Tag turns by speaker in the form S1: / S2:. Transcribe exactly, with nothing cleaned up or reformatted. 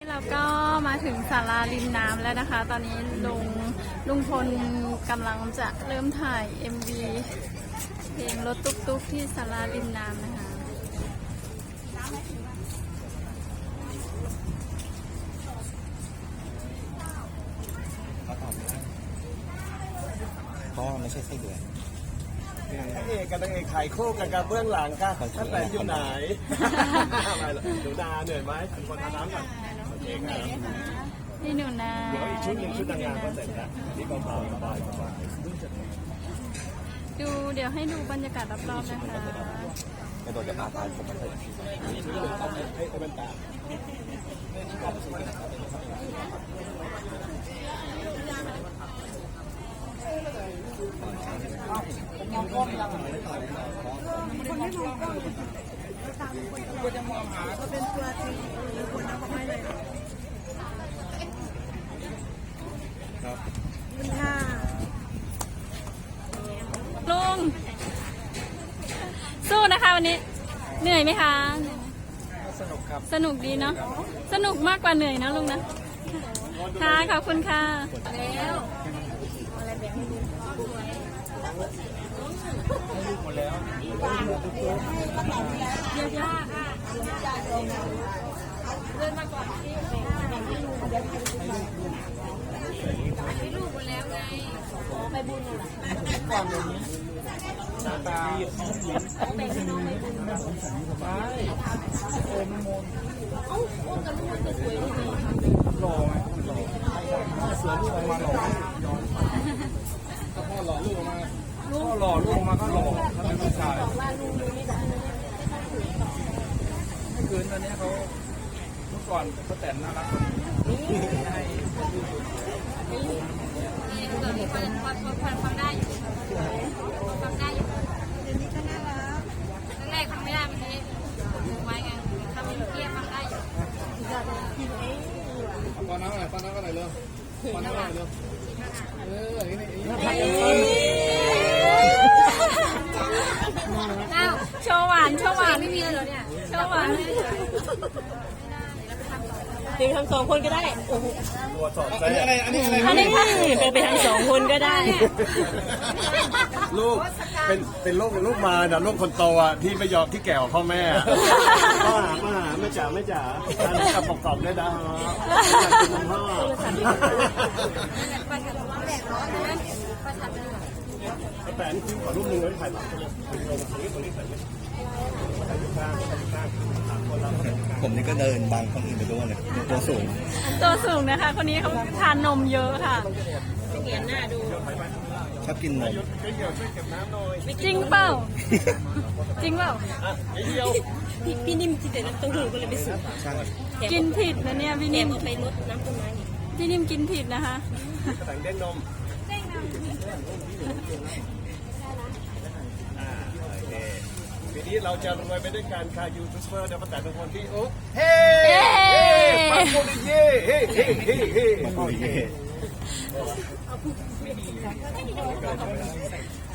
S1: เราก็มาถึงศาลาริมน้ำแล้วนะคะ ตอนนี้ลุงลุงพลกำลังจะเริ่มถ่าย เอ็ม วี เพลงรถตุ๊กๆที่ศาลาริมน้ำนะคะ
S2: เพราะว่าไม่ใช่ไส้เดือน
S3: พระเอกกับนางเอกถ่ายคู่กันกับเบื้องหลังค่ะท่านแต่อยู่ไหนหนูนาเหนื่อยไหมเป็นคนอาบน้ำก่อนโอเคครับ
S1: นี่หนูนา
S3: เดี๋ยวอีกชุดหนึ่งชุดนางงามก็เสร็จแล้วนี่เบาๆสบายสบาย
S1: ดูเดี๋ยวให้ดูบรรยากาศรอบๆนะคะ
S2: กระโดดจะพาตายผมมาเลย
S3: ชุดหนึ่งต้องให้ให้เป็นตา
S1: ลุงสู้นะคะวันนี้เหนื่อยไหมคะสนุกครับสนุกดีเนาะสนุกมากกว่าเหนื่อยนะลุงนะค่ะขอบคุณค่ะแล้วอะไรแบบนี้หมดแล้วเยอะๆค่ะเดินมาก่อนที่ให้ลูกหมดแล้วไงไปบุญเหรอก่อนเลยหน้าตาแบ่งให้น้องไปบุญไปโอนมนเอ้าโอนกับลูกมันจะสวยยังไงหล่อไหมหล่อสวยลูกออกมาหล่อพ่อหล่อลูกออกมาพ่อหล่อลูกออกมาก็หล่อถ้าเป็นผู้ชายเมื่อคืนตอนนี้เขาเมื่อก่อนเขาแต่งน่ารักให้ฟังได้อยู่ฟังได้อยู่เดี๋ยวนี้ก็น่ารักแรกๆฟังไม่ได้เมื่อกี้ไว้ไงทำเกียร์ฟังได้อยู่ฟังน้ำอะไรฟังน้ำอะไรเลยฟังน้ำอะไรเลยเอออย่างนี้โชว์หวานโชว์หวานไม่มีเลยเหรอเนี่ยโชว์หวาน
S4: จริงทั้งสองคนก็ได้โอ้โห
S3: ตัวสอบอะไรอันนี้อะไร
S4: อันนี้เป็นไปทั้งสองคนก็ได้
S3: ลูกเป็นเป็นลูกลูกมานะลูกคนโตอ่ะที่ไม่ยอมที่แก่กว่าพ่อแม่พ่อหามาหาไม่จ๋าไม่จ๋าอันนี้กับประกอบด้วยนะเป็นพ่อแต่นี่คือขอรูปหนึ่งไว้ถ่ายหลังตรงนี้ตรงนี้ตรงนี้ถ่ายข้างข้างคนเรา
S2: ผมนี่ก็เดินบังคนอื่นไปด้วยเลยตัวสูง
S1: ตัวสูงนะคะคนนี้เขาทานนมเยอะค่ะ
S4: เขียนหน้าดู
S2: ชอบกินนม
S1: จริงเปล่าจริงเปล่า
S4: พี่พี่นิ่มที่แต่น้ำเต้าหู้ก็เลยไปสูบ
S2: ใช่
S1: กินผิดนะเนี่ยพี่
S4: แถ
S1: นิ่
S4: ม
S1: ม
S4: เอาไปลดน้ำต้นไม้นี่
S1: พี่นิ่มกินผิดนะคะ
S3: แต่งเด้งนมปีนี้เราจะรวยไปด้วยการคายูทูบเบอร์เดี๋ยวประกาศทุกคนที่โอ้เฮ้ปังโมดิเย่เฮ้เฮ้เฮ้เฮ้โอ้ย